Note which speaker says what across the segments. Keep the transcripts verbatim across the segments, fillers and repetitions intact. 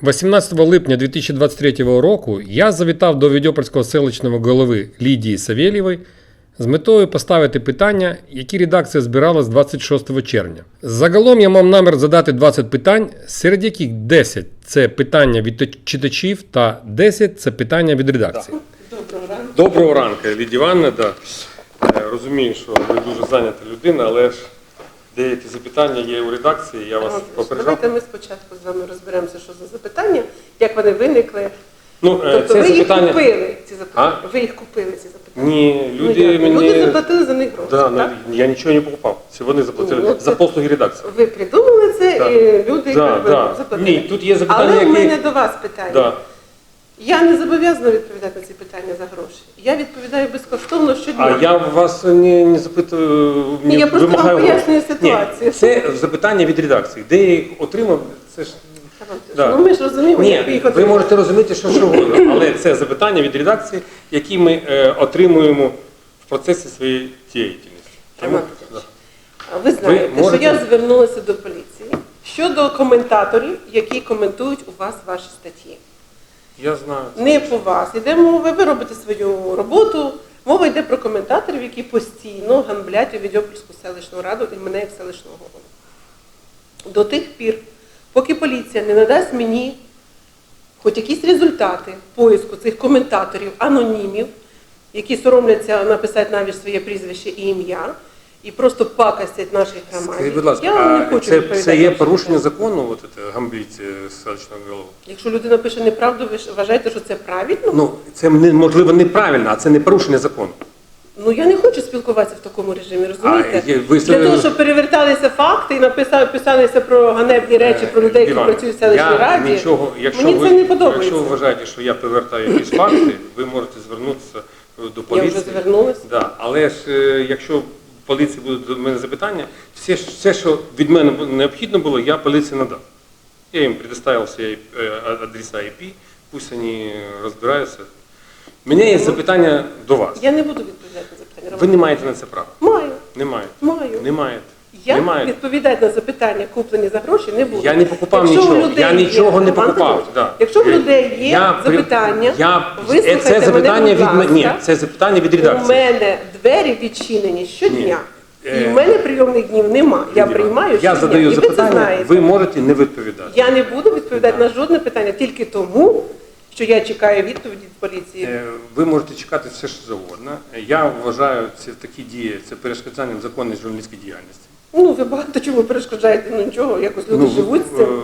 Speaker 1: вісімнадцятого липня дві тисячі двадцять третього року я завітав до Відьопольського селищного голови Лідії Савєлєвої з метою поставити питання, які редакція збирала з двадцять шостого червня. Загалом я мав намір задати двадцять питань, серед яких десять – це питання від читачів та десять – це питання від редакції.
Speaker 2: Доброго ранку.
Speaker 1: Доброго ранку, Лідія Івановна. Да. Розумію, що ви дуже зайнята людина, але ж деякі запитання є у редакції, я вас попереджав.
Speaker 2: Давайте ми спочатку з вами розберемося, що за запитання, як вони виникли.
Speaker 1: Ну,
Speaker 2: тобто
Speaker 1: це
Speaker 2: ви
Speaker 1: запитання...
Speaker 2: їх купили, ці запитання?
Speaker 1: А?
Speaker 2: Ви їх купили, ці запитання?
Speaker 1: Ні, люди
Speaker 2: ну,
Speaker 1: мені...
Speaker 2: Люди заплатили за них гроші,
Speaker 1: да,
Speaker 2: так?
Speaker 1: Ну, я нічого не покупав. Це вони заплатили
Speaker 2: ну,
Speaker 1: за
Speaker 2: це...
Speaker 1: послуги редакції.
Speaker 2: Ви придумали це,
Speaker 1: да.
Speaker 2: і люди
Speaker 1: да, да.
Speaker 2: заплатили.
Speaker 1: Ні, тут є запитання,
Speaker 2: Але
Speaker 1: які...
Speaker 2: у мене до вас питання.
Speaker 1: Да.
Speaker 2: Я не зобов'язана відповідати на ці питання за гроші. Я відповідаю безкоштовно щодня.
Speaker 1: А я вас не, не запитую, не
Speaker 2: Ні, я просто вам
Speaker 1: вимагаю
Speaker 2: пояснюю
Speaker 1: гроші.
Speaker 2: ситуацію.
Speaker 1: Ні, це запитання від редакції. Де я їх отримав, це ж...
Speaker 2: Да. Ну ми ж розуміємо,
Speaker 1: Ні,
Speaker 2: як ви їх
Speaker 1: ви
Speaker 2: отримали.
Speaker 1: можете розуміти, що завгодно, але це запитання від редакції, які ми е, отримуємо в процесі своєї діяльності. Тому, да.
Speaker 2: Ви знаєте,
Speaker 1: Ви можете...
Speaker 2: що я звернулася до поліції щодо коментаторів, які коментують у вас ваші статті.
Speaker 1: Я знаю.
Speaker 2: Не по вас. Йде мова, ви робите свою роботу. Мова йде про коментаторів, які постійно ганблять у Відьопольську селищну раду і мене як селищного голову. До тих пір, поки поліція не надасть мені хоч якісь результати поиску цих коментаторів, анонімів, які соромляться написати навіть своє прізвище і ім'я, і просто пакостять наших громадян.
Speaker 1: Скажіть, будь ласка,
Speaker 2: Я не
Speaker 1: а
Speaker 2: хочу
Speaker 1: це,
Speaker 2: відповідати
Speaker 1: це є
Speaker 2: на
Speaker 1: порушення
Speaker 2: це.
Speaker 1: закону, от це, гамбліці селищного голови?
Speaker 2: Якщо людина пише неправду, ви ж вважаєте, що це правильно?
Speaker 1: Ну, це можливо неправильно, а це не порушення закону.
Speaker 2: Ну, я не хочу спілкуватися в такому режимі, розумієте?
Speaker 1: А, є, ви...
Speaker 2: Для того, щоб переверталися факти і написали, писалися про ганебні речі, про людей, які
Speaker 1: Іван,
Speaker 2: працюють в селищній
Speaker 1: я
Speaker 2: раді,
Speaker 1: нічого, якщо
Speaker 2: мені
Speaker 1: ви,
Speaker 2: це не подобається.
Speaker 1: Якщо ви вважаєте, що я повертаю якісь факти, ви можете звернутися до поліції.
Speaker 2: Я вже звернулася.
Speaker 1: Да. Але ж, е, якщо поліції будуть до мене запитання, все, все, що від мене необхідно було, я поліції надав. Я їм предоставив всі адреса ай пі, пусть вони розбираються. У мене є запитання до вас.
Speaker 2: Я не буду відповідати на запитання.
Speaker 1: Ви не маєте на це права?
Speaker 2: Маю.
Speaker 1: Не маєте?
Speaker 2: Маю.
Speaker 1: Не маєте?
Speaker 2: Я
Speaker 1: не маєте.
Speaker 2: відповідати на запитання, куплені за гроші, не буду.
Speaker 1: Я не покупав
Speaker 2: Якщо
Speaker 1: нічого.
Speaker 2: у людей
Speaker 1: Я нічого
Speaker 2: є,
Speaker 1: не
Speaker 2: Роман
Speaker 1: покупав.
Speaker 2: Петрович,
Speaker 1: Да.
Speaker 2: Якщо в людей є
Speaker 1: я,
Speaker 2: запитання,
Speaker 1: я,
Speaker 2: вислухайте
Speaker 1: це запитання
Speaker 2: мене,
Speaker 1: від
Speaker 2: будь ласка.
Speaker 1: Ні, це запитання від
Speaker 2: У
Speaker 1: редакції.
Speaker 2: мене двері відчинені щодня.
Speaker 1: Ні.
Speaker 2: І в мене прийомних днів нема. Я приймаю
Speaker 1: Я
Speaker 2: щодня.
Speaker 1: задаю
Speaker 2: І ви це
Speaker 1: запитання,
Speaker 2: знаєте.
Speaker 1: ви можете не відповідати.
Speaker 2: Я не буду відповідати на жодне питання тільки тому, що я чекаю відповіді від поліції.
Speaker 1: Е, Ви можете чекати все, що завгодно. Я вважаю, це такі дії, це перешкоджанням законної журналістської діяльності.
Speaker 2: Ну, ви багато чому перешкоджаєте, ну нічого, якось люди
Speaker 1: Ну,
Speaker 2: живуть з цим.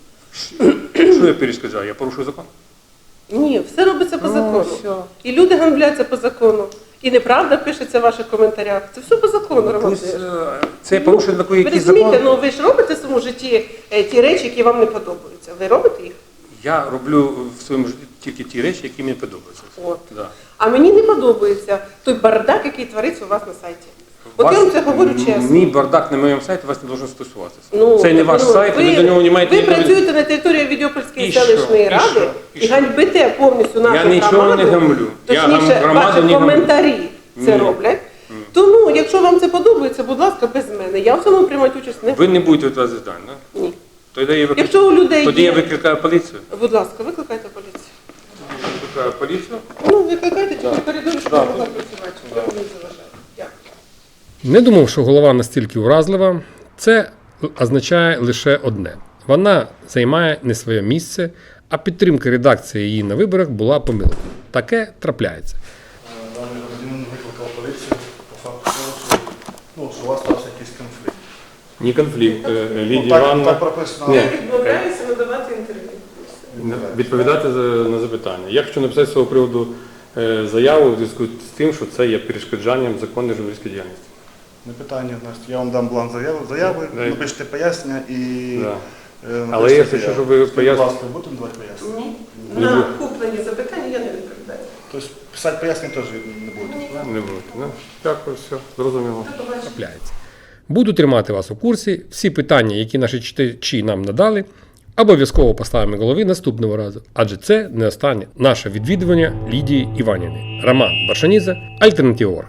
Speaker 1: е, Що я перешкоджаю? Я порушую закон?
Speaker 2: Ні, все робиться по
Speaker 1: Ну,
Speaker 2: закону.
Speaker 1: все.
Speaker 2: І люди ганбляться по закону. І неправда пишеться в ваших коментарях. Це все по закону, Роман
Speaker 1: Ось,
Speaker 2: Петрович.
Speaker 1: е, Це порушує такий
Speaker 2: Ви
Speaker 1: якийсь
Speaker 2: розумієте,
Speaker 1: закон.
Speaker 2: ну ви ж робите в своєму житті е, ті речі, які вам не подобаються. Ви робите їх?
Speaker 1: Я роблю в своєму житті тільки ті речі, які мені подобаються.
Speaker 2: От.
Speaker 1: Да.
Speaker 2: А мені не подобається той бардак, який твориться у вас на сайті. От я вам це говорю чесно.
Speaker 1: Мій бардак на моєму сайті вас не должен стосуватися.
Speaker 2: Ну,
Speaker 1: це не ваш
Speaker 2: ну,
Speaker 1: сайт, ви, ви до нього не маєте
Speaker 2: Ви
Speaker 1: ніякого-
Speaker 2: працюєте на території Відьопольської
Speaker 1: І що?
Speaker 2: селищної
Speaker 1: І
Speaker 2: ради
Speaker 1: що? І
Speaker 2: і
Speaker 1: що?
Speaker 2: ганьбите повністю нашу
Speaker 1: Я
Speaker 2: громаду.
Speaker 1: нічого не гамблю. Я
Speaker 2: Точніше,
Speaker 1: громаду
Speaker 2: ваші
Speaker 1: не гамблю.
Speaker 2: коментарі це
Speaker 1: Ні.
Speaker 2: роблять. Тому, якщо вам це подобається, будь ласка, без мене. Я в цьому приймати участь не
Speaker 1: Ви не будете відвозити дані, да?
Speaker 2: Ні.
Speaker 1: Тоді я, виклик...
Speaker 2: Якщо у людей
Speaker 1: Тоді
Speaker 2: є...
Speaker 1: я викликаю поліцію.
Speaker 2: Будь ласка, викликайте поліцію.
Speaker 1: Викликаю поліцію.
Speaker 2: Ну, викликайте тільки
Speaker 1: Да.
Speaker 2: в коридорі, щоб
Speaker 1: Да.
Speaker 2: я могла працювати, щоб я вам не заважала. Дякую.
Speaker 1: Не думав, що голова настільки уразлива. Це означає лише одне. Вона займає не своє місце, а підтримка редакції її на виборах була помилкою. Таке трапляється.
Speaker 3: Даний громадянин викликав поліцію по факту того, що, ну, що у вас стався якийсь конфлікт.
Speaker 1: Ні конфлікт. Лідія
Speaker 3: Ну, так,
Speaker 1: Івановна
Speaker 3: так прописано.
Speaker 1: Ні.
Speaker 2: Я відмовляюся надавати інтерв'ю.
Speaker 1: відповідати на запитання. Я хочу написати з цього приводу е, заяву в зв'язку з тим, що це є перешкоджанням законної журналістської діяльності.
Speaker 3: Не питання, значить, я вам дам бланк заяви, заяви
Speaker 1: Дай.
Speaker 3: напишете пояснення і...
Speaker 1: Да.
Speaker 3: е,
Speaker 1: Але
Speaker 3: напишете
Speaker 1: я хочу,
Speaker 3: заяву.
Speaker 1: щоб ви
Speaker 3: Скажіть,
Speaker 1: пояснили.
Speaker 3: Будь ласка, будете давати пояснення?
Speaker 2: Ні. На куплені запитання я не відповідаю.
Speaker 3: Тобто писати пояснення теж не будете?
Speaker 1: Не будете, да? Дякую, все, зрозуміло. Трапляється. Буду тримати вас у курсі. Всі питання, які наші читачі нам надали, обов'язково поставимо голові наступного разу, адже це не останнє наше відвідування Лідії Іванівни. Роман Баршанідзе, Альтернатива.